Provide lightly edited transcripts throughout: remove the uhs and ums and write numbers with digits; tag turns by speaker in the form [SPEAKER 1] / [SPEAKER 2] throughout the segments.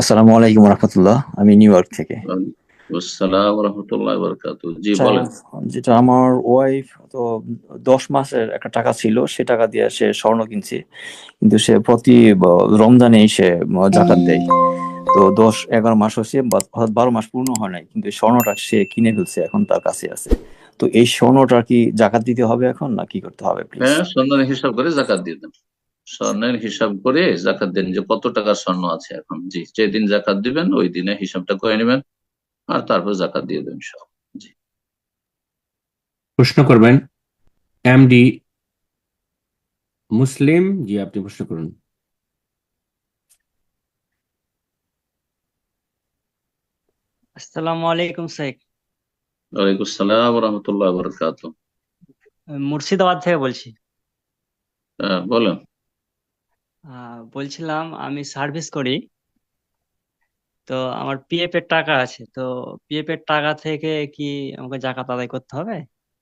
[SPEAKER 1] আসসালামু আলাইকুম রহমতুল্লাহ। আমি নিউ ইয়র্ক থেকে।
[SPEAKER 2] আসসালাম রহমতুল্লাহ বরকাতু। জি
[SPEAKER 1] আচ্ছা,
[SPEAKER 2] বলেন।
[SPEAKER 1] যেটা আমার ওয়াইফ তো 10 মাসের একটা টাকা ছিল, সে টাকা দিয়ে সে স্বর্ণ কিনছে, কিন্তু সে প্রতি রমজানে সে জাকাত দেয়। তো 10-11 মাস হচ্ছে বা 12 মাস পূর্ণ হয় নাই, কিন্তু এই স্বর্ণটা সে কিনে ফেলছে, এখন তার কাছে আছে। তো এই স্বর্ণটা কি জাকাত দিতে হবে এখন, না কি করতে হবে প্লিজ?
[SPEAKER 2] হ্যাঁ, স্বর্ণের হিসাব করে জাকাত দিয়ে দেন। স্বর্ণের হিসাব করে জাকাত দেন, যে কত টাকা স্বর্ণ আছে এখন। জি, যেদিন জাকাত দিবেন ওই দিনে হিসাবটা করে নেবেন, আর তারপর জাকাত দিয়ে দেন সব। জি।
[SPEAKER 3] প্রশ্ন করবেন এমডি মুসলিম। জি, আপনি প্রশ্ন করুন।
[SPEAKER 4] আসসালামু আলাইকুম স্যার।
[SPEAKER 2] ওয়ালাইকুম আসসালাম রহমতুল্লাহ বরকাতু।
[SPEAKER 4] মুর্শিদাবাদ থেকে বলছি।
[SPEAKER 2] হ্যাঁ, বলেন।
[SPEAKER 4] বলছিলাম আমি সার্ভিস করি, তো আমার পিএফ এর টাকা আছে, তো পিএফ এর টাকা থেকে কি আমাকে জাকাত আদায় করতে হবে?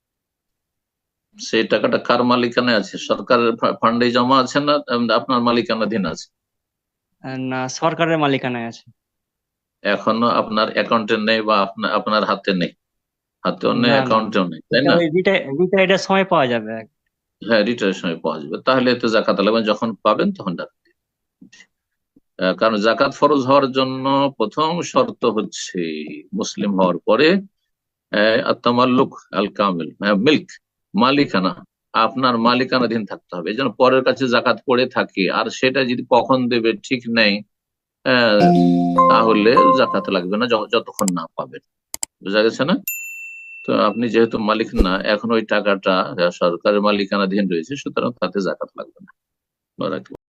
[SPEAKER 2] সেই টাকাটা কার মালিকানায় আছে? সরকারের ফান্ডে জমা আছে না আপনার মালিকানাধীন আছে?
[SPEAKER 4] না, সরকারের মালিকানায় আছে।
[SPEAKER 2] এখনো আপনার অ্যাকাউন্টে নেই বা আপনার আপনার হাতে নেই? হাতেও নেই,
[SPEAKER 4] না না না,
[SPEAKER 2] অ্যাকাউন্টেও নেই, তাই
[SPEAKER 4] এটা
[SPEAKER 2] না?
[SPEAKER 4] ওই রিটায়ার্ডের সময় পাওয়া যাবে।
[SPEAKER 2] হ্যাঁ, রিটায়ারের সময় পাওয়া যাবে, তাহলে এতে জাকাত লাগবে, যখন পাবেন তখন টাকা দিন। কারণ জাকাত ফরজ হওয়ার জন্য প্রথম শর্ত হচ্ছে মুসলিম হওয়ার পরে আত্মামাল্লুক আল কামিল, মিল্ক, মালিকানা, আপনার মালিকানাধীন থাকতে হবে। এই জন্য পরের কাছে জাকাত পড়ে থাকে আর সেটা যদি কখন দেবে ঠিক নেই, আহ, তাহলে জাকাত লাগবে না যতক্ষণ না পাবেন। বোঝা গেছে না? তো আপনি যেহেতু মালিক না, এখন ওই টাকাটা সরকারের মালিকানাধীন রয়েছে, সুতরাং তাতে জাকাত লাগবে না।